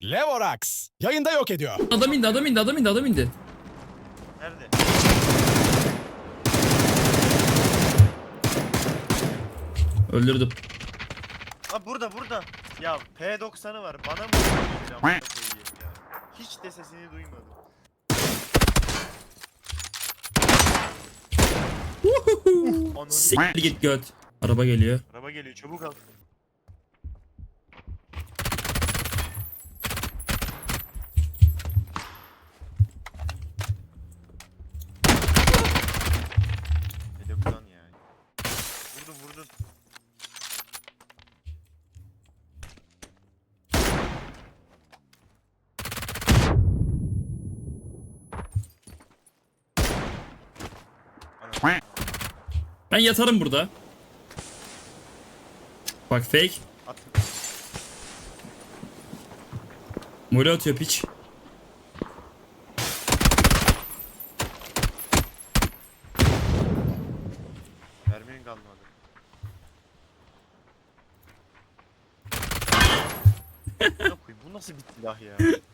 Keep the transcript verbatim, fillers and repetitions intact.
Levorax yayında yok ediyor. Adam indi, adam indi, adam indi, adam indi. Nerede? Öldürdüm. Ha burada burada. Ya P doksanı var. Bana mı söyleyeceğim? Koyayım ya. Hiç de sesini duymadım. Ananı. Siktir git göt. Araba geliyor. Araba geliyor, çabuk al. Hedeften yani. Vurdun vurdun. Ana. Ben yatarım burada. Bak fake. At. Mole atıyor piç. Mermin kalmadı. Amına koyayım, bu nasıl bir silah ya?